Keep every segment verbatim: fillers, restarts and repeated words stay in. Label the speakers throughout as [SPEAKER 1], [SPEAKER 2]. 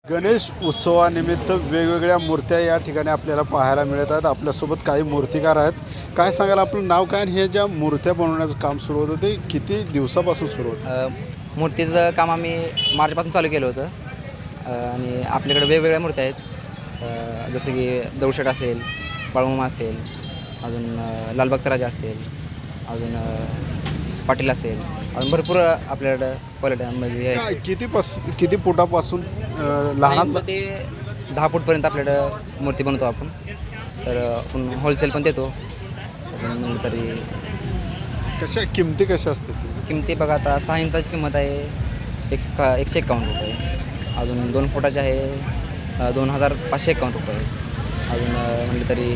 [SPEAKER 1] गणेश उत्सवानिमित्त वेगवेगळ्या मूर्त्या या ठिकाणी आपल्याला पाहायला मिळत आहेत. आपल्यासोबत काही मूर्तिकार आहेत. काय सांगाल आपलं नाव काय आणि हे ज्या मूर्त्या बनवण्याचं काम सुरू होतं ते किती दिवसापासून सुरू होतं?
[SPEAKER 2] मूर्तीचं काम आम्ही मार्चपासून चालू केलं होतं आणि आपल्याकडे वेगवेगळ्या मूर्त्या आहेत. जसं की दगडूशेठ असेल, बाळूमामा असेल, अजून लालबागचा राजा असेल, अजून पाटील असेल, अजून भरपूर आपल्याकडं क्वालिटीमध्ये
[SPEAKER 1] काय किती पास किती फुटापासून लहानात
[SPEAKER 2] ते दहा फूटपर्यंत आपल्याकडं मूर्ती बनवतो आपण. तर आपण होलसेल पण देतो. अजून म्हणलं तरी
[SPEAKER 1] कशा किमती कशा असतात?
[SPEAKER 2] किमती बघा, आता सहा इंचाची किंमत आहे एक का एकशे एकावन्न रुपये. अजून दोन फुटाची आहे दोन हजार पाचशे एकावन्न रुपये. अजून म्हणलं तरी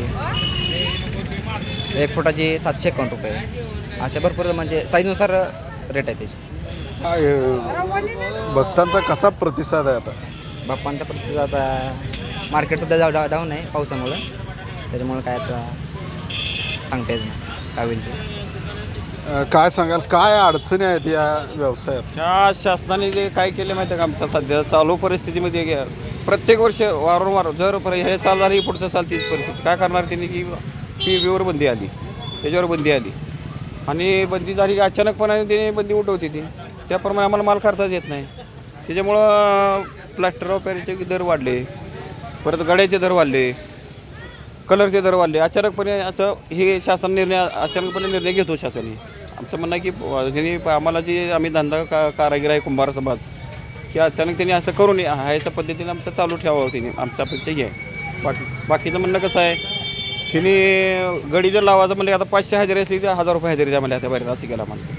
[SPEAKER 2] एक फुटाची सातशे एकावन्न रुपये. अशा भरपूर म्हणजे साईजनुसार रेट आहे त्याची.
[SPEAKER 1] काय भक्तांचा कसा प्रतिसाद आहे आता?
[SPEAKER 2] बाप्पांचा प्रतिसाद आता मार्केट सध्या जाऊ डा डाऊन आहे पावसामुळं. त्याच्यामुळं काय आता सांगता येत नाही काय होईल ते.
[SPEAKER 1] काय सांगाल काय अडचणी आहेत या व्यवसायात?
[SPEAKER 3] ह्या शासनाने जे काय केले माहिती आहे का, आमच्या सध्या चालू परिस्थितीमध्ये गे प्रत्येक वर्ष वारंवार जर पर हे साल झाली पुढचं साल तीच परिस्थिती काय करणार त्यांनी की पी व्हीवर बंदी आली, त्याच्यावर बंदी आली आणि बंदी झाली की अचानकपणाने ते बंदी उठवते ती. त्याप्रमाणे आम्हाला माल खर्चाच येत नाही. त्याच्यामुळं प्लास्टर ऑफ पॅरिसचे दर वाढले, परत गड्याचे दर वाढले, कलरचे दर वाढले. अचानकपणे असं हे शासन निर्णय अचानकपणे निर्णय घेतो शासनाने. आमचं म्हणणं आहे की त्यांनी आम्हाला जे आम्ही धंदा का कारागीर आहे कुंभार समाज की अचानक त्यांनी असं करू नये ह्याच्या पद्धतीने आमचं चालू ठेवावं त्यांनी. आमच्या अपेक्षा ही आहे. बाकी बाकीचं म्हणणं कसं आहे, त्यांनी गडी जर लावायचं म्हणजे आता पाचशे हजेरी असली तर हजार रुपये हजेरी द्या म्हणजे आता बाहेर असं केला म्हणतो.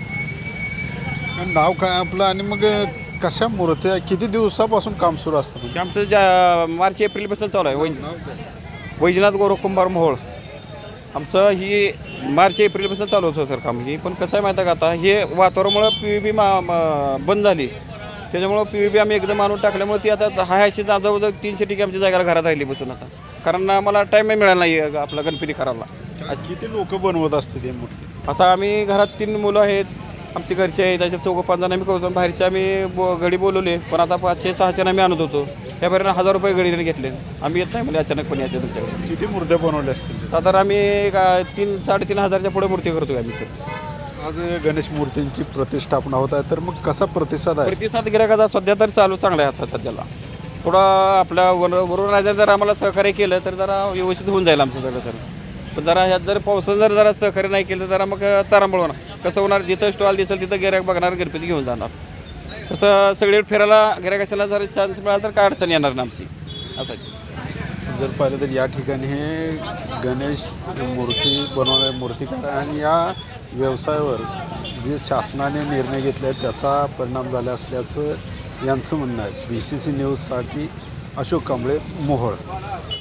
[SPEAKER 1] नाव काय आपलं आणि मग कशा मूर्त्या किती दिवसापासून काम सुरू असतं?
[SPEAKER 3] की आमचं ज्या मार्च एप्रिलपासून चालू आहे. वै वैजनाथ गौरव कुंभार मोहोळ आमचं ही मार्च एप्रिलपासून चालू होतं सर काम. ही पण कसं आहे माहिती आहे का, आता हे वातावरणामुळं पी व्ही बी मा बंद झाली. त्याच्यामुळं पी व्ही बी आम्ही एकदम आणून टाकल्यामुळे ती आता हाय अशी जवळजवळ तीनशे ठिकाणी आमच्या जागेला घरात राहिली बसून आता. कारण आम्हाला टाईम मिळाला नाही आपला गणपती करायला.
[SPEAKER 1] किती लोक बनवत असते ते मूर्ती?
[SPEAKER 3] आता आम्ही घरात तीन मुलं आहेत आमची घरचे आहेत, त्याच्यात चौघं पाच जण आम्ही करतो. बाहेरचे आम्ही बो गडी बोलवले पण आता पाचशे सहाशे आम्ही आणत होतो. त्यापर्यंत हजार रुपये गडीने घेतले. आम्ही येत नाही म्हणजे अचानकपणे असेल तुमच्याकडे.
[SPEAKER 1] किती मूर्त्या बनवल्या असतील?
[SPEAKER 3] साधारण आम्ही का तीन साडेतीन हजारच्या पुढे मूर्ती करतो आम्ही सर.
[SPEAKER 1] आज गणेश मूर्तींची प्रतिष्ठापना होत आहे तर मग कसा प्रतिसाद आहे?
[SPEAKER 3] प्रतिसाद गिरायकाचा सध्या तर चालू चांगला आहे आता सध्याला. थोडा आपल्या वर वरून राजा जर आम्हाला सहकार्य केलं तर जरा व्यवस्थित होऊन जाईल आमचं सगळं. तर पण जरा ह्यात जर पावसानं जर जरा सहकार्य नाही केलं तर जरा मग तारांबळ होणार. कसं होणार, जिथं स्टॉल दिसेल तिथं गिरायक बघणार, गणपती घेऊन जाणार. कसं सगळे फिरायला गिरायकाशाला जर चान्स मिळाला तर काय अडचण येणार ना आमची असं.
[SPEAKER 1] जर पाहिलं तर या ठिकाणी हे गणेश मूर्ती बनवणारे मूर्तिकार आणि या व्यवसायावर जे शासनाने निर्णय घेतले आहेत त्याचा परिणाम झाला असल्याचं यांचं म्हणणं आहे. बी सी सी न्यूजसाठी अशोक कांबळे, मोहोळ.